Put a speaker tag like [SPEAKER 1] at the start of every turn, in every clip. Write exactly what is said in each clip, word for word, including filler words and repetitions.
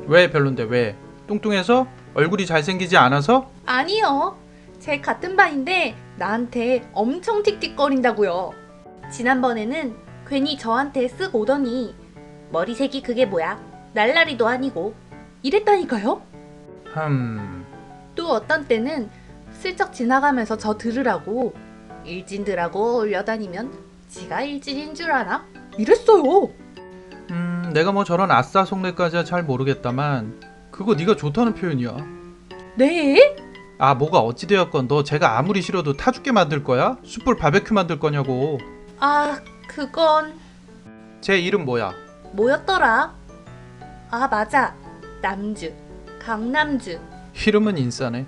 [SPEAKER 1] 왜 별론데 왜? 뚱뚱해서? 얼굴이 잘생기지 않아서?
[SPEAKER 2] 아니요. 제 같은 반인데 나한테 엄청 틱틱거린다고요. 지난번에는 괜히 저한테 쓱 오더니 머리색이 그게 뭐야? 날라리도 아니고 이랬다니까요.
[SPEAKER 1] 흠...
[SPEAKER 2] 또 어떤 때는 슬쩍 지나가면서 저 들으라고 일진들하고 올려다니면 지가 일진인 줄 아나? 이랬어요.
[SPEAKER 1] 음... 내가 뭐 저런 아싸 속내까지야 잘 모르겠다만 그거 네가 좋다는 표현이야.
[SPEAKER 2] 네?
[SPEAKER 1] 아 뭐가 어찌되었건 너 제가 아무리 싫어도 타 죽게 만들 거야? 숯불 바베큐 만들 거냐고.
[SPEAKER 2] 아, 그건
[SPEAKER 1] 제 이름 뭐야?
[SPEAKER 2] 뭐였더라? 아, 맞아. 남주. 강남주.
[SPEAKER 1] 이름은 인싸네.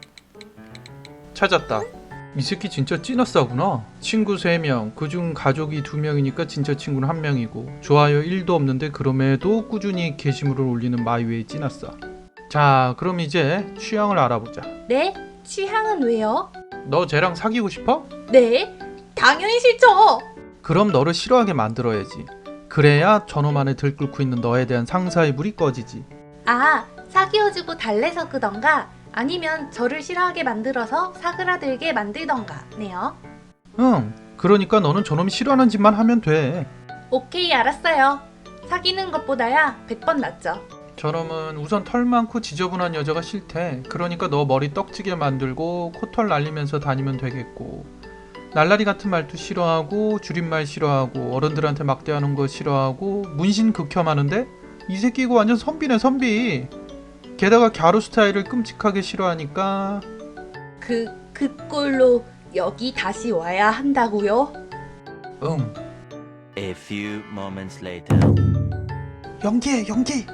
[SPEAKER 1] 찾았다. 이 새끼 진짜 찐아싸구나. 친구 세 명, 그중 가족이 두 명이니까 진짜 친구는 한 명이고 좋아요 일도 없는데 그럼에도 꾸준히 게시물을 올리는 마이웨이 찐아싸. 자 그럼 이제 취향을 알아보자.
[SPEAKER 2] 네? 취향은 왜요?
[SPEAKER 1] 너 쟤랑 사귀고 싶어?
[SPEAKER 2] 네? 당연히 싫죠.
[SPEAKER 1] 그럼 너를 싫어하게 만들어야지. 그래야 저놈 안에 들끓고 있는 너에 대한 상사의 불이 꺼지지.
[SPEAKER 2] 아, 사귀어주고 달래서 끄던가 아니면 저를 싫어하게 만들어서 사그라들게 만들던가 네요.
[SPEAKER 1] 응, 그러니까 너는 저놈이 싫어하는 짓만 하면 돼.
[SPEAKER 2] 오케이, 알았어요. 사귀는 것보다야 백 번 낫죠.
[SPEAKER 1] 저놈은 우선 털 많고 지저분한 여자가 싫대. 그러니까 너 머리 떡지게 만들고 코털 날리면서 다니면 되겠고, 날라리 같은 말도 싫어하고 줄임말 싫어하고 어른들한테 막대하는 거 싫어하고 문신 극혐하는데 이 새끼 이거 완전 선비네 선비. 게다가 갸루 스타일을 끔찍하게 싫어하니까.
[SPEAKER 2] 그, 그 꼴로 여기 다시 와야 한다고요?
[SPEAKER 1] 응.
[SPEAKER 3] A few moments later.
[SPEAKER 1] 연기해 연기.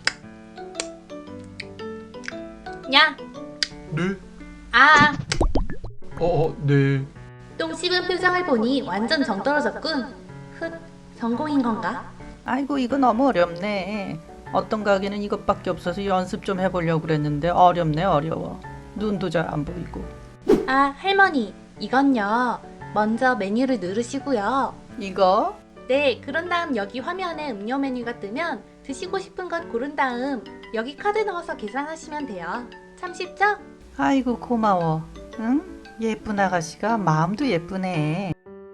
[SPEAKER 2] 야,
[SPEAKER 1] 네.
[SPEAKER 2] 아,
[SPEAKER 1] 어, 네.
[SPEAKER 2] 똥 씹은 표정을 보니 완전 정 떨어졌군. 훗, 성공인 건가?
[SPEAKER 4] 아이고 이거 너무 어렵네. 어떤 가게는 이것밖에 없어서 연습 좀 해보려고 그랬는데 어렵네 어려워. 눈도 잘 안 보이고.
[SPEAKER 2] 아, 할머니, 이건요. 먼저 메뉴를 누르시고요.
[SPEAKER 4] 이거?
[SPEAKER 2] 네, 그런 다음 여기 화면에 음료 메뉴가 뜨면 드시고 싶은 것 고른 다음 여기 카드 넣어서 계산하시면 돼요. 참 쉽죠?
[SPEAKER 4] 아이고 고마워. 응? 예쁜 아가씨가 마음도 예쁘네.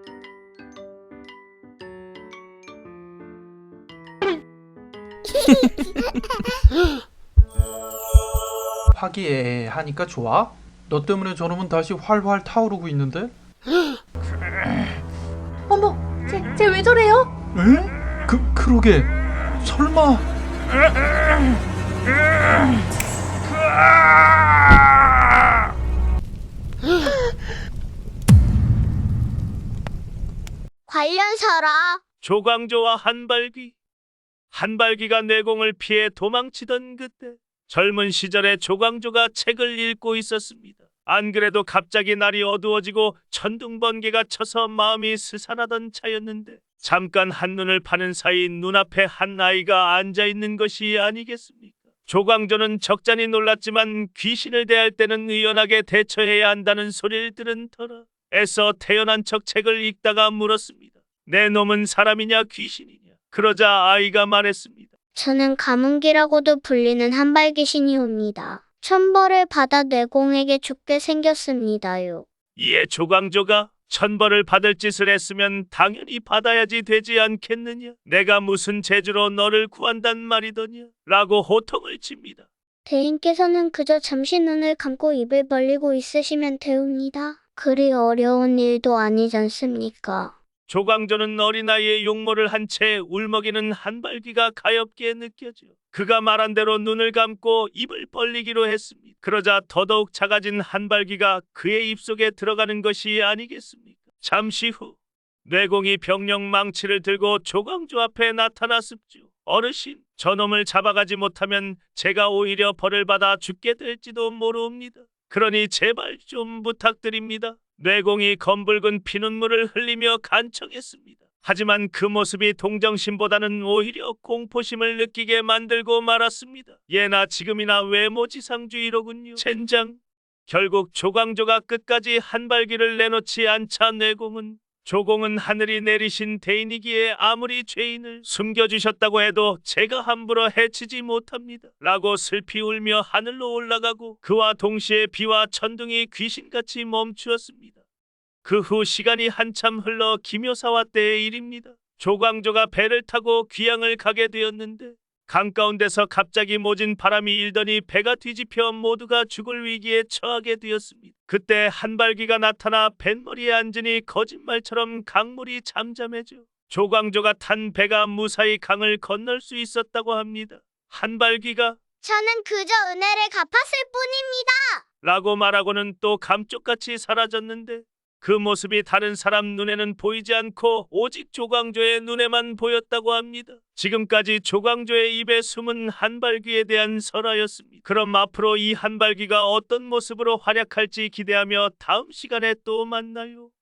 [SPEAKER 1] 화기애애하니까 좋아? 너 때문에 저놈은 다시 활활 타오르고 있는데?
[SPEAKER 2] 어머, 쟤, 쟤 왜 저래요?
[SPEAKER 1] 에? 그, 그러게 설마.
[SPEAKER 5] 관련사라.
[SPEAKER 6] 조광조와 한발귀. 한발귀가 내공을 피해 도망치던 그때 젊은 시절에 조광조가 책을 읽고 있었습니다. 안 그래도 갑자기 날이 어두워지고 천둥번개가 쳐서 마음이 스산하던 차였는데 잠깐 한눈을 파는 사이 눈앞에 한 아이가 앉아있는 것이 아니겠습니까? 조광조는 적잖이 놀랐지만 귀신을 대할 때는 의연하게 대처해야 한다는 소리를 들은 터라 애써 태연한 척 책을 읽다가 물었습니다. 내 놈은 사람이냐 귀신이냐? 그러자 아이가 말했습니다.
[SPEAKER 5] 저는 가문기라고도 불리는 한발귀신이옵니다. 천벌을 받아 내공에게 죽게 생겼습니다요.
[SPEAKER 6] 이에 조광조가 천벌을 받을 짓을 했으면 당연히 받아야지 되지 않겠느냐? 내가 무슨 재주로 너를 구한단 말이더냐? 라고 호통을 칩니다.
[SPEAKER 5] 대인께서는 그저 잠시 눈을 감고 입을 벌리고 있으시면 되옵니다. 그리 어려운 일도 아니지 않습니까?
[SPEAKER 6] 조광조는 어린아이의 용모를 한 채 울먹이는 한발귀가 가엾게 느껴져 그가 말한 대로 눈을 감고 입을 벌리기로 했습니다. 그러자 더더욱 작아진 한발귀가 그의 입속에 들어가는 것이 아니겠습니까? 잠시 후 뇌공이 병력 망치를 들고 조광조 앞에 나타났습죠. 어르신, 저놈을 잡아가지 못하면 제가 오히려 벌을 받아 죽게 될지도 모르옵니다. 그러니 제발 좀 부탁드립니다. 뇌공이 검붉은 피눈물을 흘리며 간청했습니다. 하지만 그 모습이 동정심보다는 오히려 공포심을 느끼게 만들고 말았습니다. 예나 지금이나 외모지상주의로군요. 젠장. 결국 조광조가 끝까지 한발귀를 내놓지 않자 뇌공은 조공은 하늘이 내리신 대인이기에 아무리 죄인을 숨겨주셨다고 해도 제가 함부로 해치지 못합니다. 라고 슬피 울며 하늘로 올라가고 그와 동시에 비와 천둥이 귀신같이 멈추었습니다. 그 후 시간이 한참 흘러 기묘사화 때의 일입니다. 조광조가 배를 타고 귀양을 가게 되었는데 강 가운데서 갑자기 모진 바람이 일더니 배가 뒤집혀 모두가 죽을 위기에 처하게 되었습니다. 그때 한발귀가 나타나 뱃머리에 앉으니 거짓말처럼 강물이 잠잠해져 조광조가 탄 배가 무사히 강을 건널 수 있었다고 합니다. 한발귀가
[SPEAKER 5] 저는 그저 은혜를 갚았을 뿐입니다.
[SPEAKER 6] 라고 말하고는 또 감쪽같이 사라졌는데 그 모습이 다른 사람 눈에는 보이지 않고 오직 조광조의 눈에만 보였다고 합니다. 지금까지 조광조의 입에 숨은 한발귀에 대한 설화였습니다. 그럼 앞으로 이 한발귀가 어떤 모습으로 활약할지 기대하며 다음 시간에 또 만나요.